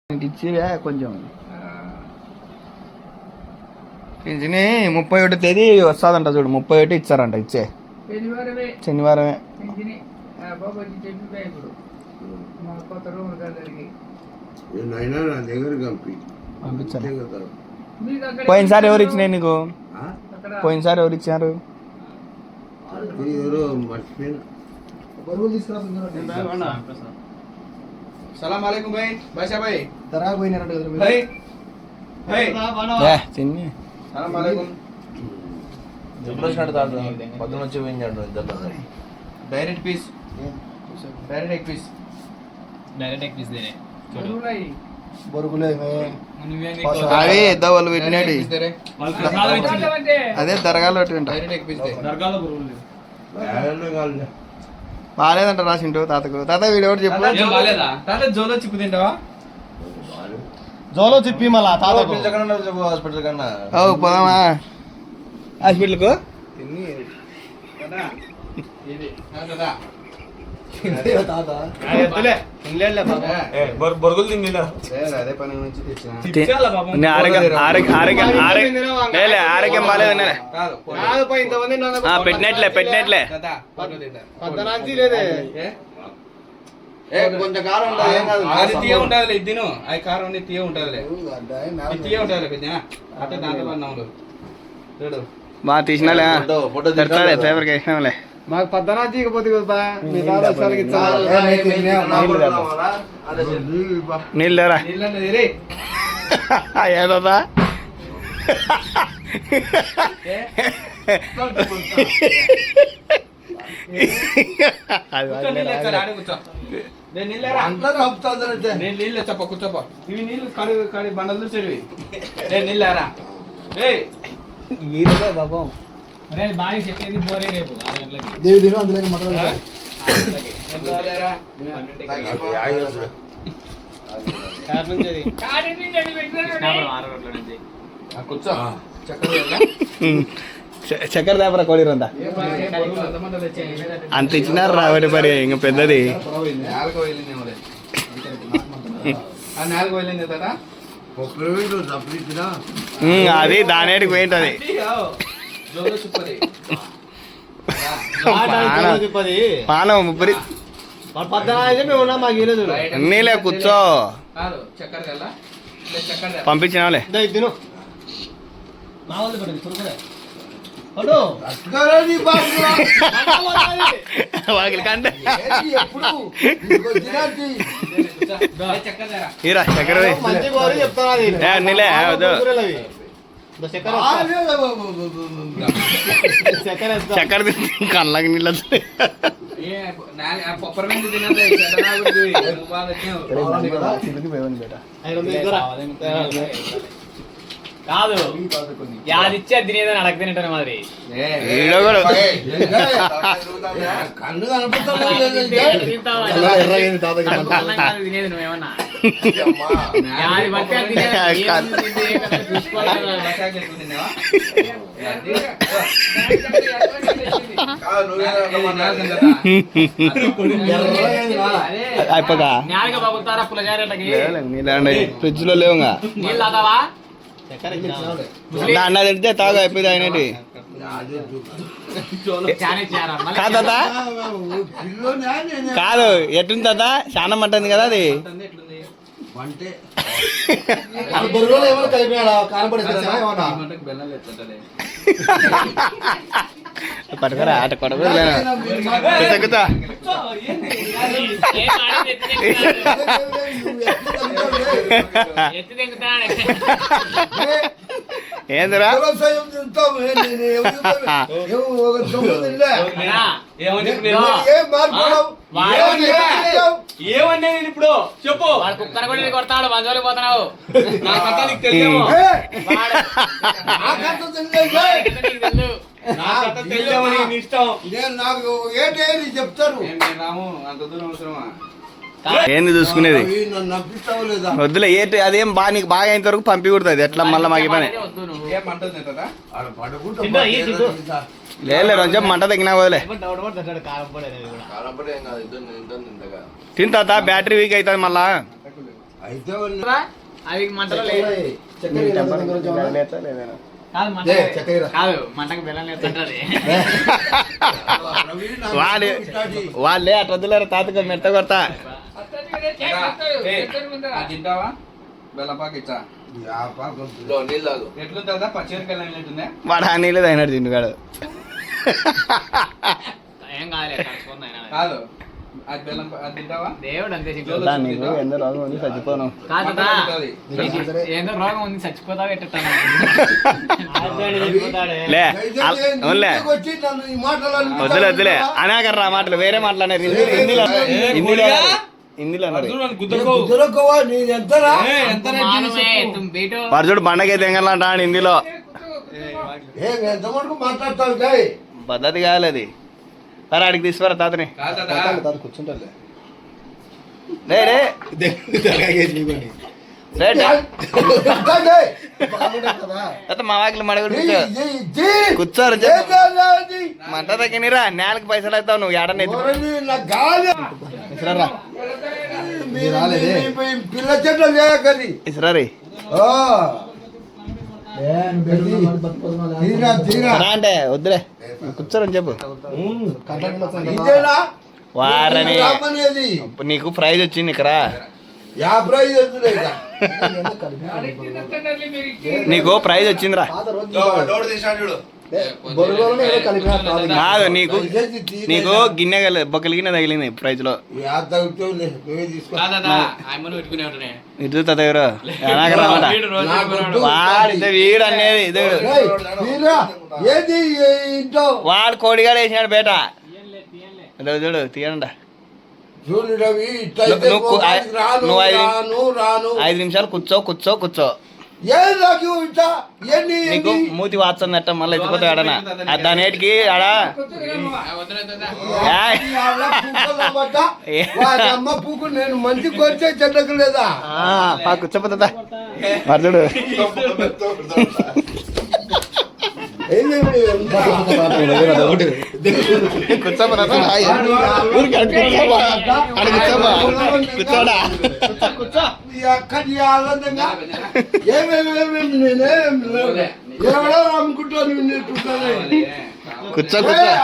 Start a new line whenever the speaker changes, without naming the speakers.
ఇచ్చిరా కొంచెం పింఛని 31 తేదీ వస్తుందంట చూడు. 31 ఇచ్చారంట. ఇచ్చే శనివారమే పంపించాను. పోయినసారి ఎవరు ఇచ్చినాయి నీకు? పోయినసారి ఎవరు ఇచ్చారు? సలాం అలైకుం భాయ్. బాషా భాయ్ తరా పోయినారంట కదా భాయ్. చిన్ని సలాం అలైకుం.
పొద్దున వచ్చి పోయించాడు ఇద్దరు.
Direct piece, direct egg piece,
direct एक पीस दे रहे
బొరుగులే అవి వాళ్ళు పెట్టినాడు. అదే దర్గాలో డైరెక్ట్ ఎగ్ పీస్ బాగాలేదంట రాసిండు తాతకు. తాత వీడు ఎవరు చెప్పు.
జోలో చిప్పు తింటావా?
జోలో చెప్పి మళ్ళా తాతకు హాస్పిటల్ కన్నా
పోదామా హాస్పిటల్కు?
బొరుగులు తిండి
అదే పని నుంచి
ఆరోగ్యం బాగాలేదన్నా పెట్టినట్లే పెట్టినట్లే
కొంచెం కారం
తీయ ఉంటుంది. ఇద్దిను అవి కారం తీయ ఉంటుంది. తీయ ఉంటుంది పెద్ద అట్లా దాంట్లో పడినాము చూడు.
బాగా తీసినాలే పేపర్కి వేసినాంలే.
మాకు పద్దనా తీయకపోతే కదా
నీళ్ళు లేరా ఏదా
నీళ్ళు చెప్ప కూర్చోప. ఇవి నీళ్ళు కడి కడి బండలు చెరివి. నీళ్ళారా
బాబం
బాగా చెప్పేది పోరే రేపు 6 గంటలకి.
దేవి దినం అందులోకి మటన్
కూర్చో.
చక్కెర దాపరా కోడిరంతా అంత ఇచ్చినారు రాబట్టి పరి ఇంకా పెద్దది. అది దానేటికి పోయింటది. పానం ముప్పరి అన్నీలే కూర్చో పంపించినావులే. వాకిలి కంటే ఇరా చక్కెర అన్నీలే చక్కెర కళ్ళకి నీళ్ళు
కాదు యాదిచ్చే తినేదని అడగతినట్టు మరి తినేది నువ్వేమన్నా
అయిపోగా ఫ్రిడ్జ్ లో లేవుగా
నీళ్ళు తాతావా?
అన్న తిడితే తాగు అయిపోయింది అయినటి కాదు. ఎట్టుంది తాత? చాలా మంటుంది కదా అది. పట్టుకురా అట కొడకూడదు. ఏందిరా
ఏమన్నా ఇప్పుడు చెప్పు. వాడు కుక్కర కూడా కొడతాడు. మంజోలి పోతున్నావు.
ఏంది చూసుకునేది వద్దులే. ఏంటి అదేం బాగా నీకు బాగా అయిన వరకు పంపి కుడుతుంది. ఎట్లా మళ్ళీ మాకు పని లేదు. కొంచెం మంట తగ్గినా వదిలే. తింటా బ్యాటరీ వీక్ అవుతుంది మళ్ళా. అయితే
అవి మంటలో కాదు మంట కాదు మంటకు బెల్లం లేదంటారు.
వాళ్ళే అట్లా వదిలేరు తాతగా మెత్త కొడతా.
తింటావా బెల్లపాక ఇచ్చా ఎట్లుంటుందా పచ్చిమిరకాయలు ఎట్లుందా
వాడు ఆ నీళ్ళు తాగినాడు తిండుగాడు.
ఏం కాదులే
కాదు అది బెల్లం అది తింటావా
దేవుడు అంతే
నీకు ఎంతో రోగం ఉంది చచ్చిపోను.
కాదా ఏందో రోగం ఉంది చచ్చిపోతావు ఎట్టాను
లే అవునులే వద్దులే వద్దులే అనాకర్రా మాటలు వేరే మాటలు హిందీలో అన్నారు. వాడు చూడు బండకైతే ఎంగలంటా హిందీలో. పద్ధతి కావాలి అది. సరే అడిగి తీసుకురా తాతని.
కూర్చుంటారులే.
మా వాకిలు మడగడు కూర్చోరు మంట తగ్గినరా నేలకు పైసలు అవుతావు నువ్వు ఏడన్నా
పిల్ల చెట్లు
ఇసురారి అంటే వద్దులే కూర్చోరని చెప్పు. వారని నీకు ప్రైజ్ వచ్చింది ఇక్కడ. నీకు ప్రైజ్ వచ్చిందిరా. కాదు నీకు నీకు గిన్నె బొక్కల గిన్నె తగిలింది ప్రైజ్ లో. ఇటు తదగరు వాడితే వీడు అనేది వాడు కోడిగాడు వేసినాడు బేట. చూడు తీయండి. నువ్వు 5 నిమిషాలు కూర్చో కూర్చో కూర్చో. నీకు మూతి వాచన్నట్ట మళ్ళీ ఎత్తిపోతావు ఆడనా దానేటికి ఆడా
నేను మంచి కొరిచే చెడ్డకు లేదా
కూర్చోపోతుందా చూడు. కూర్చోడా
ఏమేమి అమ్ముకుంటాను
కూర్చో కూర్చో.